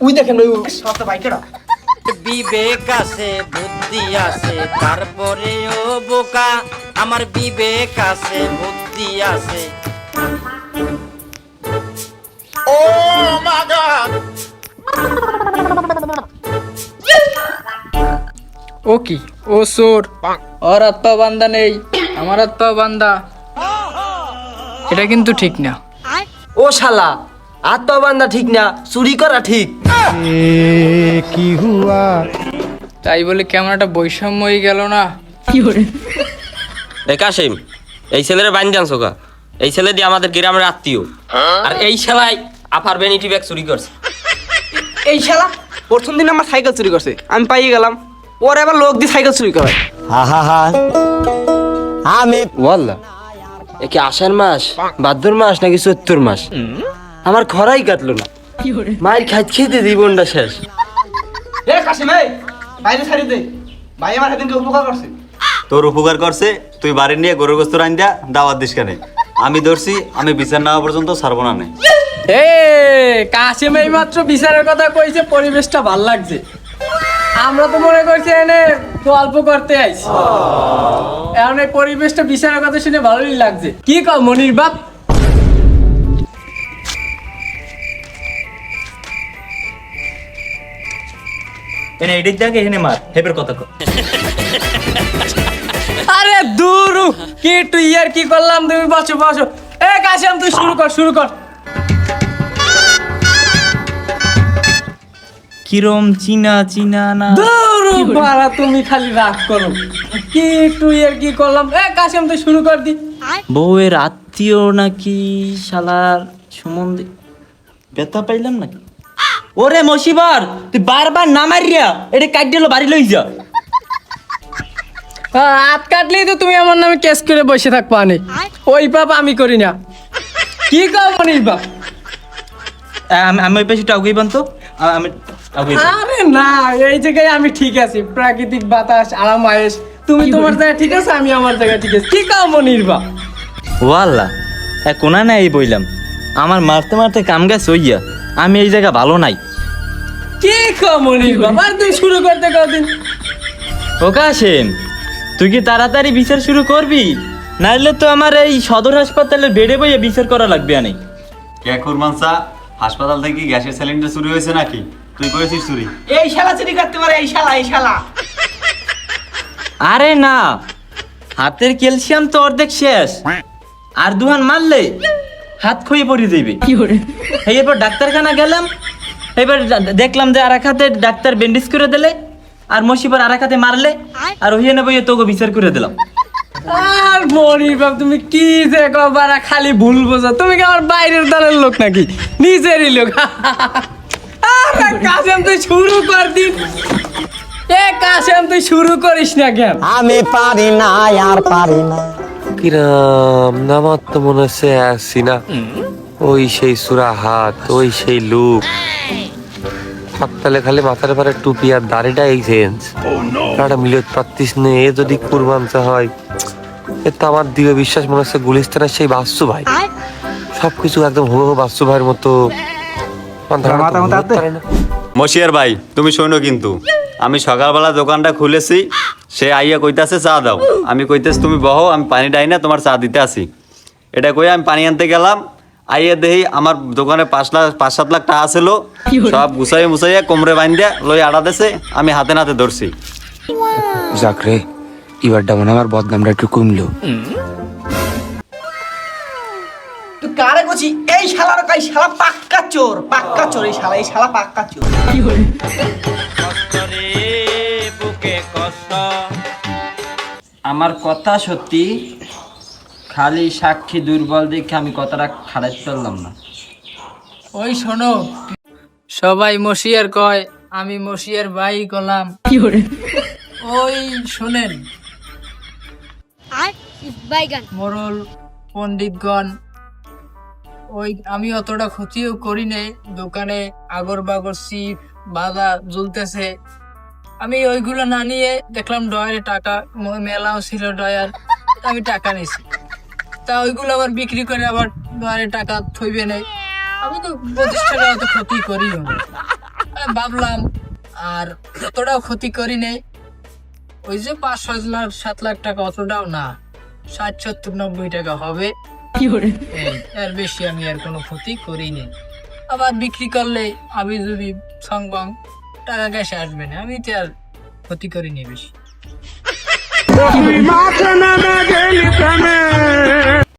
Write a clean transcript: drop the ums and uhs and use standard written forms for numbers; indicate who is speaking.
Speaker 1: ওই দেখেন ওই সব তো বাইকেরা।
Speaker 2: বিবেক আছে বুদ্ধি আছে তারপরেও বোকা, আমার বিবেক আছে বুদ্ধি আছে।
Speaker 3: ও কি ও চোর, ওর হাত পা বান্ধা নেই, আমার হাত পা বান্ধা, এটা কিন্তু ঠিক না।
Speaker 1: ও শালা, আত্মবান্ধা ঠিক না, চুরি করা ঠিক।
Speaker 3: তাই বলে কেমন একটা বৈষম্য হয়ে গেল না?
Speaker 2: এ কাশিম, এই ছেলের বাইন জানছো কা? এই ছেলে দিয়ে আমাদের গ্রামের আত্মীয়, আর এই শালাই আপার ভ্যানিটি ব্যাগ চুরি করছে।
Speaker 1: এই শালা প্রথম দিন আমার সাইকেল চুরি করছে, আমি পাইয়ে গেলাম। ওর আবার লোক দিয়ে সাইকেল চুরি করে।
Speaker 4: আমি
Speaker 1: ওয়াল্লাহ, এ কি আষাঢ় মাস, ভাদ্র মাস নাকি চৈত্র মাস? আমার খরাই কাটলো না, মায়ের খেতে জীবনটা শেষ। এ কাশিম, এই বাইরে ছাড়ি দে, ভাই আমার সেদিনকে উপকার করছে।
Speaker 5: তোর উপকার করছে, তুই বাড়ি নিয়ে গরুর গোস্ত রান্দা দাওয়াত দিস কেন? আমি ধরছি, আমি বিচার নেওয়া পর্যন্ত ছাড়বো না।
Speaker 3: এ কাশিম এই মাত্র বিচারের কথা কইছে, পরিবেশটা ভাল লাগছে। আমরা তো মনে করছি এনে গল্প করতে আইছি, এখন এই পরিবেশটা বিচারের কথা শুনে ভালোই লাগছে। কি কও মনির বাপ?
Speaker 5: এনে এদিক দেখে এনে মার, হেবের কথা কর।
Speaker 3: আরে দূর, কি তুই আর কি করলাম? তুমি বসো বসো। এ কাশিম তুই শুরু কর।
Speaker 6: কিরম চিনা না?
Speaker 3: দূর বাড়া, তুমি খালি রাগ করো। কি তুই আর কি করলাম? এ কাশিম তুই শুরু কর দি।
Speaker 6: বউয়ের আত্মীয় নাকি শালার সম্বন্ধে ব্যথা পাইলাম নাকি? ওরে মশিবার, তুই বারবার না মারিয়া এটা কাটিয়ে বাড়ি লই যা।
Speaker 3: হাত কাটলেই তো তুমি আমার নামে কেস করে বসে থাকবো। আনে ওই পাপ আমি করি না। কি কও মনির বাপ?
Speaker 6: আমি ওই পাশে টাউকেই বানতো, আমি টাউকেই বানতো।
Speaker 3: আরে না, এই জায়গায় আমি ঠিক আছি, প্রাকৃতিক বাতাস, আরাম আয়েশ। তুমি তোমার জায়গায় ঠিক আছে, আমি আমার জায়গায় ঠিক আছে। কি কও মনির বাপ?
Speaker 6: ওয়াল্লাহ, হ্যাঁ কোনা না এই বইলাম, আমার মারতে মারতে কাম গেছে হইয়া, আমি এই জায়গা ভালো নাই।
Speaker 3: কি কও মনির বাপ? আর তুই শুরু করতে কদিন?
Speaker 6: ও কাশেম, তুই কি তাড়াতাড়ি বিচার শুরু করবি? নাইলে তো আমার এই সদর হাসপাতালের বেডে বইয়ে বিচার করা লাগবে। আনে
Speaker 5: কে কুরমানসা, হাসপাতাল থেকে কি গ্যাসের সিলিন্ডার চুরি হয়েছে নাকি? তুই করেছিস চুরি?
Speaker 1: এই শালা চুরি করতে পারে, এই শালা।
Speaker 6: আরে না, হাতের ক্যালসিয়াম তো অর্ধেক শেষ, আর দুহান মারলে হাত ক্ষয়ে পড়ে যাইবে। এরপর ডাক্তারখানা গেলাম, এবার দেখলাম যে আর এক হাতে ডাক্তার ব্যান্ডেজ করে দিলে, আর মশিবার আর এক হাতে মারলে, আর ওই এনে বইয়ে তোকে বিচার করে দিলাম।
Speaker 3: আর মনির বাপ, তুমি কি যে কবারা খালি ভুল বোঝো। তুমি কি আমার বাইরের দলের লোক নাকি নিজেরই লোক? আরে কাশেম তুই শুরু কর দিন। এ কাশেম তুই শুরু করিস না কেন?
Speaker 4: আমি পারি না, আর পারি না।
Speaker 7: কিরাম নামার তো মনে হচ্ছে আসছি না। ওই সেই সুরা হাত, ওই সেই লুক, সকালে খালি মাথার পরে টুপি আর দাড়িটা এই চেঞ্জ, মিলত পারতিস নে। এ যদি কুরবানটা হয়, এ তো আমার দৃঢ় বিশ্বাস মনে হচ্ছে গুলিস্তানের সেই বাসু ভাই। সবকিছু একদম হুবহু বাসু ভাইয়ের মতো।
Speaker 5: মশিয়ার ভাই, তুমি শোনো কিন্তু, আমি সকালবেলা দোকানটা খুলেছি, সে আইয়া কইতাছে চা দাও। আমি কইতেছি তুমি বহো, আমি পানি ডাই না, তোমার চা দিতে আসি। এটা কই আমি পানি আনতে গেলাম, আইয়া দেখি আমার দোকানে 5-7 লাখ টাকা ছিল, সব গুছাইয়া মুছাইয়া কোমরে বাইন্দা লই আড়া দেছে, আমি হাতে নাতে ধরছি।
Speaker 7: যাক রে, এবারটা মনে আমার বদনামটা একটু কমলো।
Speaker 1: তুই কারে কইছি? এই শালার কাই শালা পাক্কা চোর, এই শালা পাক্কা চোর।
Speaker 2: বুকে কষ্ট, আমার কথা সত্যি, খালি সাক্ষী দুর্বল দেখে আমি কথাটা খারাপ করলাম না।
Speaker 3: ওই শোনো, সবাই মশিয়ার কয়, আমি মশিয়ার ভাই কলাম। ওই শোনেন মোরল পণ্ডিতগণ, ওই আমি অতটা ক্ষতিও করি নাই। দোকানে আগর বাগর সিপ বাধা ঝুলতেছে, আমি ওইগুলো না নিয়ে দেখলাম ডয়ারে টাকা মেলাও ছিল ডয়ার, আমি টাকা নিছি। তা ওইগুলো আবার বিক্রি করে আবার ডয়ারে টাকা থইবে নাই। আমি তো প্রতিষ্ঠানে অত ক্ষতি করি না। আমি ভাবলাম আর অতটাও ক্ষতি করি নেই, ওই যে 5-6 লাখ 7 লাখ টাকা অতটাও না, 60-70-90 টাকা হবে, এই, এর বেশি আমি আর কোনো ক্ষতি করিনি। আবার বিক্রি করলে আমি যদি সংবাং টাকা ক্যাশে আসবে না, আমি তো আর ক্ষতি করিনি বেশি।